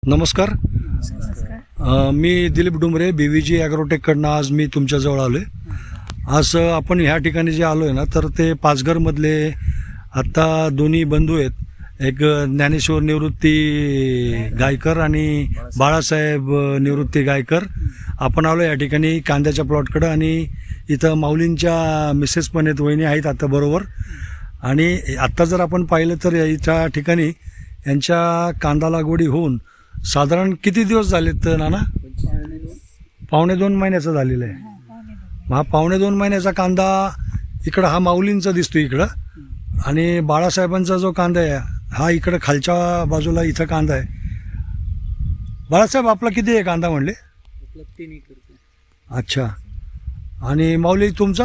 नमस्कार. मी दिलीप डुमरे BVG ॲग्रोटेककडनं आज मी तुमच्याजवळ आलो आहे. आज आपण ह्या ठिकाणी जे आलो आहे ना, तर ते पाचघरमधले आत्ता दोन्ही बंधू आहेत. एक ज्ञानेश्वर निवृत्ती गायकर आणि बाळासाहेब निवृत्ती गायकर. आपण आलो या ठिकाणी कांद्याच्या प्लॉटकडं आणि इथं माऊलींच्या मिसेस पण आहेत, वहिनी आहेत आता बरोबर. आणि आत्ता जर आपण पाहिलं तर याच्या ठिकाणी यांच्या कांदा लागवडी होऊन साधारण किती दिवस झालेत नाना? 2.5 महिन्याचा झालेला आहे. हा 2.5 महिन्याचा कांदा इकडं हा माऊलींचा दिसतो इकडं, आणि बाळासाहेबांचा जो कांदा आहे हा इकडं खालच्या बाजूला इथं कांदा आहे. बाळासाहेब आपला किती आहे कांदा म्हणले? 3 एकर. अच्छा. आणि माऊली तुमचा?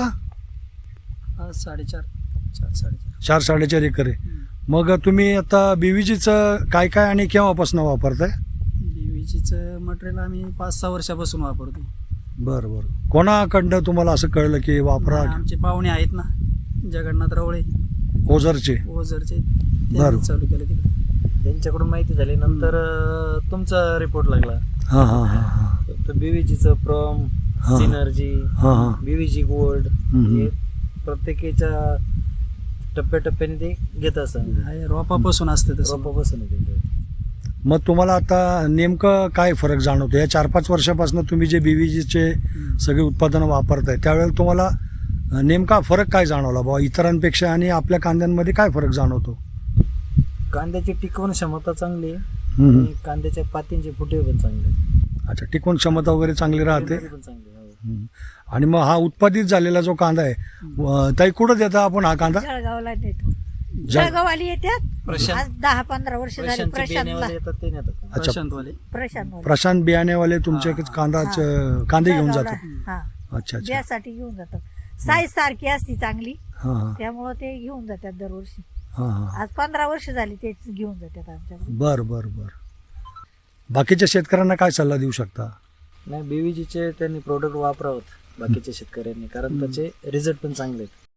4-4.5 एकर आहे. मग तुम्ही आता BVGचं काय काय आणि केव्हापासून वापरताय? BVGचं मटेरियल आम्ही 5-6 वर्षापासून वापरतो. बरं बरं. कोणाकडनं तुम्हाला असं कळलं की वापरा? आमचे पाहुणे आहेत ना, जगन्नाथ रवळे ओझरचे. ओझरचे, बरं. त्यांनी चालू केलं तिकडे. त्यांच्याकडून माहिती झाली नंतर तुमचा रिपोर्ट लागला. हां हां हां हां तर BVGचं प्रॉम, हां. सिनर्जी, हां हां BVG गोल्ड हम्म. हे प्रत्येकाच्या टप्प्याटप्प्याने ते घेत असतात. रोपापासून असतं तसं. रोपापासून येते. मग तुम्हाला आता नेमकं काय फरक जाणवतो? या 4-5 वर्षापासून तुम्ही जे BVGचे सगळे उत्पादनं वापरताय त्यावेळेला तुम्हाला नेमका फरक काय जाणवला बाबा इतरांपेक्षा, आणि आपल्या कांद्यांमध्ये काय फरक जाणवतो? कांद्याची टिकवण क्षमता चांगली आहे हम्म. आणि कांद्याच्या पातींचे फुटे पण चांगले आहेत. अच्छा, टिकवून क्षमता वगैरे चांगली राहते. पण चांगली आहे. हम्म. आणि मग हा उत्पादित झालेला जो कांदा आहे ताई कुठं देता आपण हा कांदा? जळगावला देतो. जळगाववाली येतात. प्रशांत. आज 10-15 वर्ष झाली प्रशांतचे प्रशांतला. बियाणेवाले येतात ते नेतात. अच्छा. प्रशांतवाले. प्रशांत प्रशांत बियाणेवाले तुमचे कांदे घेऊन जातात. हा, अच्छा अच्छा. बियासाठी घेऊन जातात. साईज सारखी असती चांगली, हां हां त्यामुळं ते घेऊन जातात दरवर्षी. हां हां. आज 15 वर्ष झाली तेच घेऊन जातात आमच्याकडे. बरं बरं बरं. बाकीच्या शेतकऱ्यांना काय सल्ला देऊ शकता? नाही, BVGचे त्यांनी प्रोडक्ट वापरावत बाकीच्या शेतकऱ्यांनी, कारण त्याचे रिझल्ट पण चांगले आहेत.